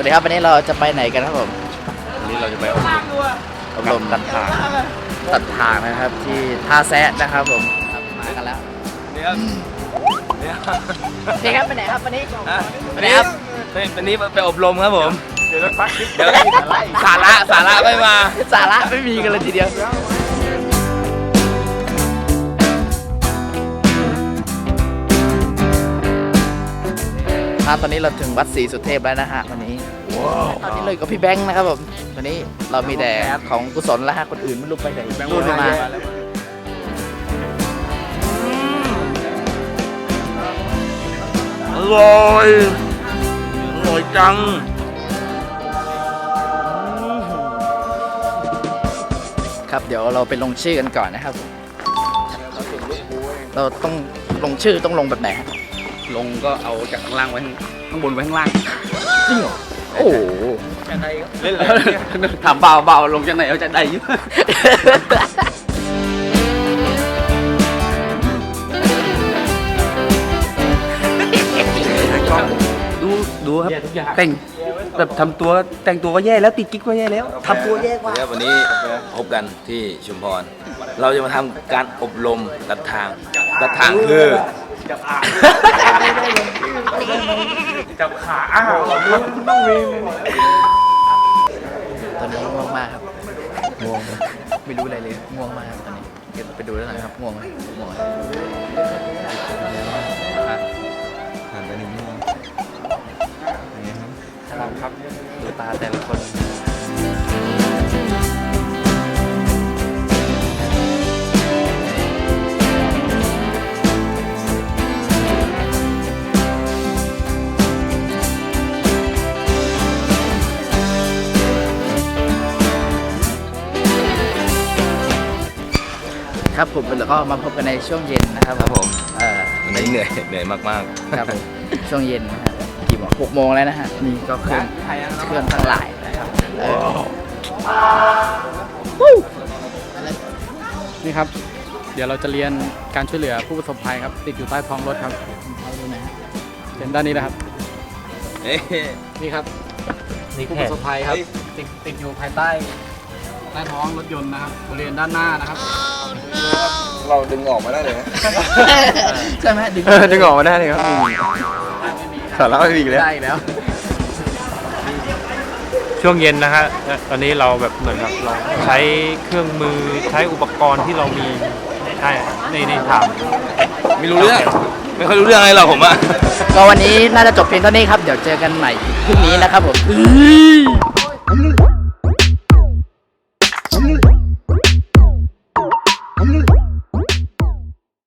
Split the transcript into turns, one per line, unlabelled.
ดีครับวันนี้เราจะไปไหนกันครับผม
วันนี้เราจะไปอบรมตัดทาง
นะครับที่ท่าแซะนะครับผมมากันแล้ว
นี่ครับ
นี่ครับไปไหนครับวันนี้ไปไหนครับ
วันนี้ไปอบรมครับผมเดี๋ยวสาระไม่มา
สาระไม่มีกันเลยทีเดียวตอนนี้เราถึงวัดศรีสุเทพแล้วนะฮะวันนี้ตอนนี้เลยกับพี่แบงค์นะครับผมวันนี้เรามีแต่ของกุศลแล้วฮะคนอื่นไม่รู้ไปไหนรู้ไม่มา
อร่อยจัง
ครับเดี๋ยวเราไปลงชื่อกันก่อนนะครับเราต้องลงชื่อต้องลงแบบไหน
ลงก็เอาจากข้างล่างไว้ข้างบนไว้ข้างล่าง
จริงเหรอโอ้โห
เล่นเลยถามเบาลงจากไหนเอาจากใดอยู่ดูครับแต่งแบบทำตัวแต่งตัวก็แย่แล้วติดกิ๊กก็แย่แล้วทำตัวแย่กว่า
วันนี้พบกันที่ชุมพรเราจะมาทำการอบรมตัดทางคือ
จับขาต้องมี
ตอนนี้ง่วงมากครับง่วงไม่รู้อะไรเลยง่วงมากครับตอนนี้เดี๋ยวไปดูแล้วหน่อยครับง่วงไหมง่วง
หันไปหนึ่ง
ครับดูตาแต่ละคนครับผมแล้วก็มาพบกันในช่วงเย็นนะครับ
ผมวันนี้เหนื่อยมาก
ๆครับผมช่วงเย็นนะครับกี่โมง6 โมงแล้วนะฮะนี่ก็เครื่องทั้งหลายนะครับ
นี่ครับเดี๋ยวเราจะเรียนการช่วยเหลือผู้ประสบภัยครับติดอยู่ใต้ท้องรถครับเป็นด้านนี้นะครับนี่ครับผู้ประสบภัยครับติดอยู่ภายใต้ท้องรถยนต์นะครับบริเวณด้านหน้านะครับ
เราดึงออกมาได้เลย
ใช่ไหม
ดึงออกมาได้เลยครับสาระไม่มีเลย
ได้แล้ว
ช่วงเย็นนะฮะตอนนี้เราแบบเหมือนกับเราใช้เครื่องมือใช้อุปกรณ์ที่เรามีใช่ในถาม
ไม่รู้เรื่องไม่ค่อยรู้เรื่องอะไรหรอกผมอะ
ก็วันนี้น่าจะจบเพียงเท่านี้ครับเดี๋ยวเจอกันใหม่พรุ่งนี้นะครับผม